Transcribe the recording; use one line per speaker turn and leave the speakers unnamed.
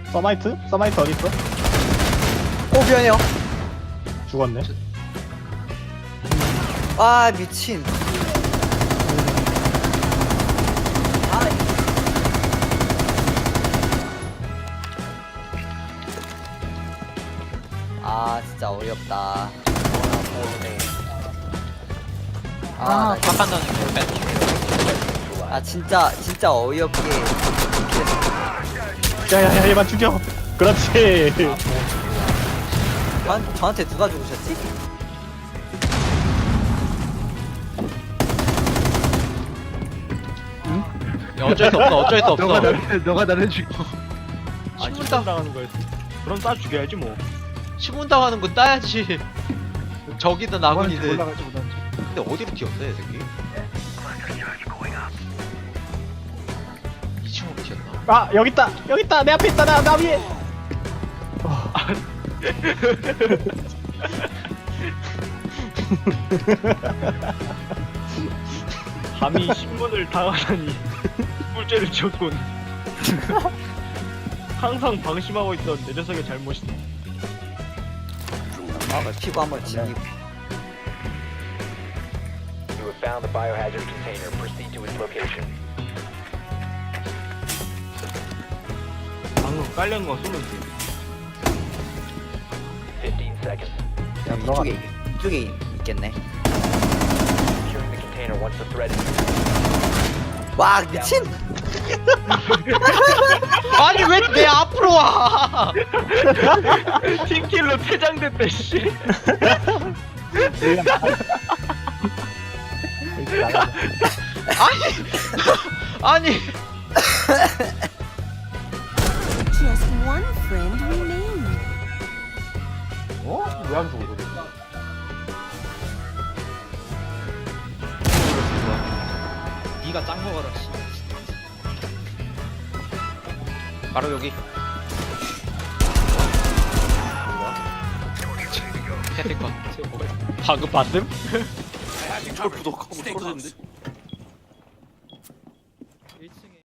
서마이트? 서마이트 어딨어?
오 미안해요.
죽었네.
아 미친. 아 진짜 어이없다. 아, 나
탑한다는 걸 뺀.
아 진짜 어이없게.
야야야 얘만 죽여. 그렇지.
저한테 누가 죽으셨지?
야, 어쩔 수 없어, 어쩔 수 없어.
너가 나를 죽여.
신문
당하는 거였어. 그럼 쏴 죽여야지 뭐.
신문 당하는 거 따야지. 적이든 아군이든.
올라갈지 못하는지.
근데 어디로 튀었어, 이 새끼? 2층으로 튀었나?
아 여기 있다. 여기 있다. 내 앞에 있다. 나 위에.
감히 신문을 당하다니 꿀죄를 지었군. 항상 방심하고 있던 내 녀석의 잘못이다.
피부 한번 지니고.
You have found the biohazard container. Proceed to its location.
방금 깔려는 거 쏘면 돼.
15 seconds.
이쪽에 있겠네.
Securing the container once the threat is
와 미친.
아니, 왜 내 앞으로 와!
팀킬로 퇴장됐대 씨.
아니!
Just one friend remains.
어? 왜 안 죽어?
니가 짱 먹어라, 씨. 바로 여기. 캐피컨.
방금 봤음?
이걸 부덕하고 떨어졌는데.